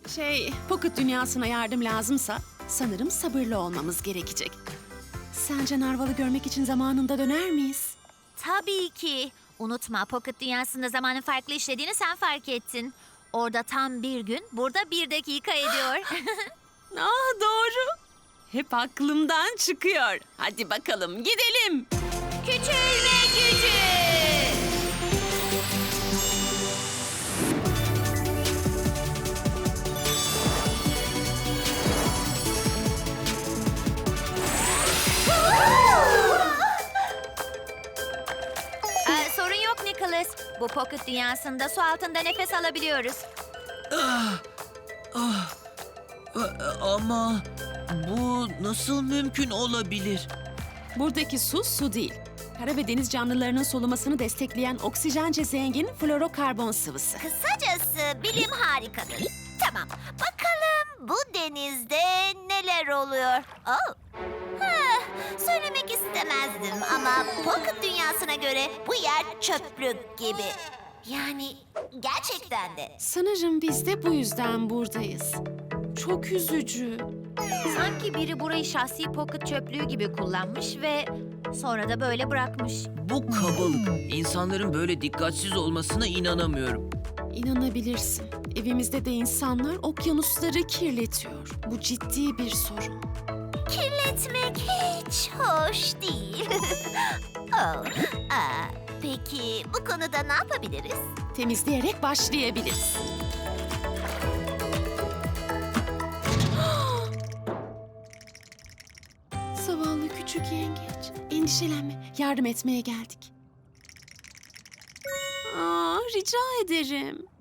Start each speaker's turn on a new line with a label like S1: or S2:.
S1: Pocket dünyasına yardım lazımsa sanırım sabırlı olmamız gerekecek. Sence Narval'ı görmek için zamanında döner miyiz?
S2: Tabii ki. Unutma, Pocket dünyasında zamanın farklı işlediğini sen fark ettin. Orada tam bir gün, burada 1 dakika ediyor.
S1: Doğru. Hep aklımdan çıkıyor. Hadi bakalım gidelim.
S2: Küçülme gücü! Sorun yok Nicholas. Bu Pocket dünyasında su altında nefes alabiliyoruz.
S3: Ama bu nasıl mümkün olabilir?
S1: Buradaki su değil. Kara ve deniz canlılarının solumasını destekleyen oksijence zengin florokarbon sıvısı.
S2: Kısacası bilim harikadır. Tamam, bakalım bu denizde neler oluyor? Söylemek istemezdim ama Pocket dünyasına göre bu yer çöplük gibi. Yani gerçekten de.
S1: Sanırım biz de bu yüzden buradayız. Çok üzücü.
S2: Sanki biri burayı şahsi Pocket çöplüğü gibi kullanmış ve sonra da böyle bırakmış.
S3: Bu kabalık. İnsanların böyle dikkatsiz olmasına inanamıyorum.
S1: İnanabilirsin. Evimizde de insanlar okyanusları kirletiyor. Bu ciddi bir sorun.
S2: Kirletmek hiç hoş değil. Peki bu konuda ne yapabiliriz?
S1: Temizleyerek başlayabiliriz. Zavallı küçük yengeç. Endişelenme. Yardım etmeye geldik. Rica ederim.